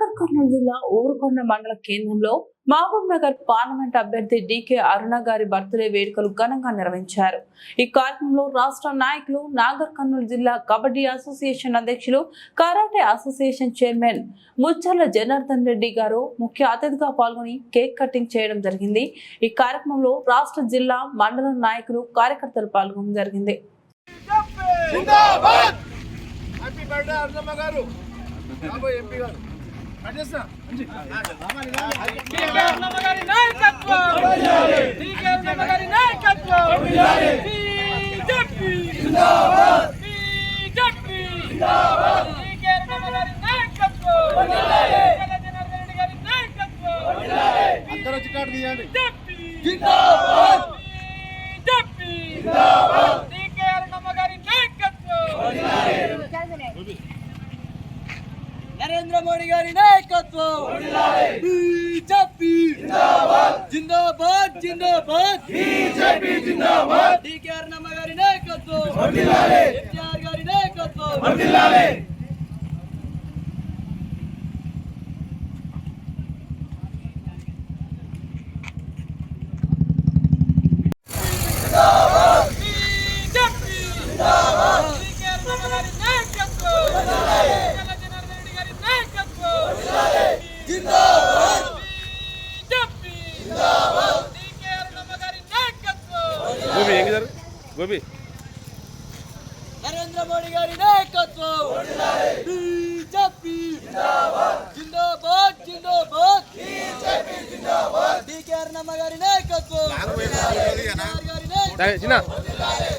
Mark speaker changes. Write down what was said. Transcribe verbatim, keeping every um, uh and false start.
Speaker 1: నాగర్ కర్నూలు జిల్లా ఊరుకొండ మండల కేంద్రంలో మహబూబ్ నగర్ పార్లమెంట్ అభ్యర్థి డికే అరుణ గారి బర్త్డే వేడుకలు ఘనంగా నిర్వహించారు. ఈ కార్యక్రమంలో రాష్ట్ర నాయకులు, నాగర్ కర్నూలు జిల్లా కబడ్డీ అసోసియేషన్ అధ్యక్షులు, karate association chairman Mucharla Janardhan Reddy గారు ముఖ్య అతిథిగా పాల్గొని కేక్ కటింగ్ చేయడం జరిగింది. ఈ కార్యక్రమంలో రాష్ట్ర, జిల్లా, మండల నాయకులు, కార్యకర్తలు పాల్గొనడం జరిగింది.
Speaker 2: నరేంద్ర మోడీ గారి నాయకత్వం, బీజేపీ జిందాబాద్ జిందాబాద్, బీజేపీ జిందాబాద్, డీకే అరుణమ్మ గారి నాయకత్వం, ఎన్టీఆర్ గారి నాయకత్వం. నరేంద్ర మోడీ గారి నాయకత్వం, బీజేపీ జిందాబాద్ జిందాబాద్, డీకే అరుణమ్మ గారి నాయకత్వం, గారి నాయకత్వం.